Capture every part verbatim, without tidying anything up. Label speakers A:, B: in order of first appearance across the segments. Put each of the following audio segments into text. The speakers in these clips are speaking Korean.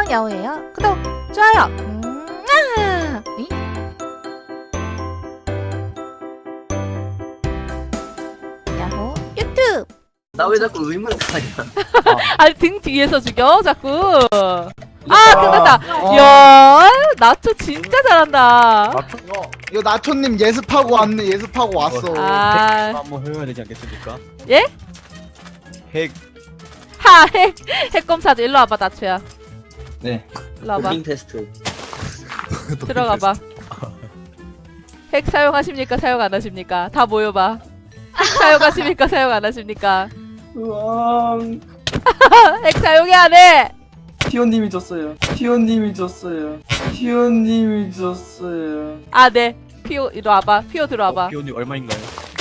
A: 야호예요. 구독, 좋아요. 음, 아! 이? 야호 유튜브.
B: 나 왜 자꾸 의문을 가냐?
A: 아니 등 뒤에서 죽여 자꾸. 아 끝났다. 야 나초 진짜 잘한다.
C: 나초? 어, 이거 나초님 예습하고 왔네. 예습하고 왔어.
A: 아
D: 한번 해야 되지 않겠습니까?
A: 예?
D: 핵.
A: 하 핵 핵검사도 일로 와봐 나초야.
D: 네.
A: 일로 와봐.
B: 도핑 테스트.
A: 들어가봐. 핵 사용하십니까? 사용 안 하십니까? 다 모여봐. 핵 사용하십니까? 사용 안 하십니까?
E: 우왕
A: 핵 사용해 안 해?
E: 티오님이 줬어요. 티오님이 줬어요. 티오님이 줬어요.
A: 아 네. 피오 이리 와봐. 피오 들어와봐.
D: 비오님 얼마인가요?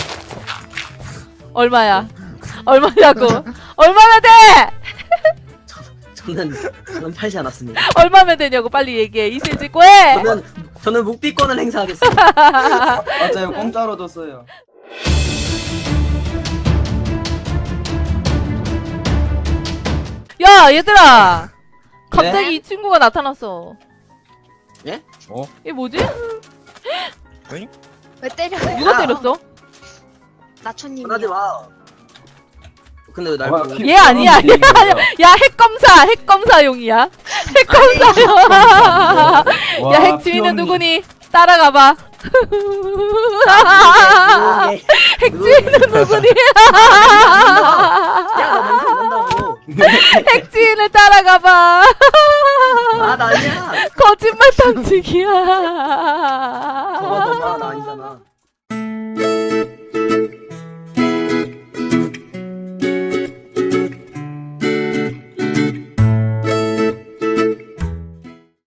A: 얼마야? 얼마냐고? 얼마면 돼?
B: 저는 저는 팔지 않았습니다.
A: 얼마면 되냐고 빨리 얘기해. 이실 짓고 해.
B: 저는 저는 묵비권을 행사하겠습니다.
E: 맞아요. 공짜로 줬어요.
A: 야 얘들아. 갑자기 이 친구가 나타났어.
B: 예?
D: 어?
A: 이게 뭐지?
F: 왜 때려요?
A: 누가 때렸어?
F: 나초님이요.
B: 하지 마. 근데 왜 날
E: 와,
B: 보고?
E: 피-
A: 얘 아니야. 얘 아니야. 야 핵검사. 핵검사용이야. 핵검사용. 야 핵 주인은 누구니? 따라가봐.
B: 핵
A: 핵주인은 누구니?
B: 야나 냄새 난다고.
A: 핵주인을 따라가봐.
B: 아나 아니야.
A: 거짓말 탐지기야.
B: 저거 봐봐 나 아니잖아.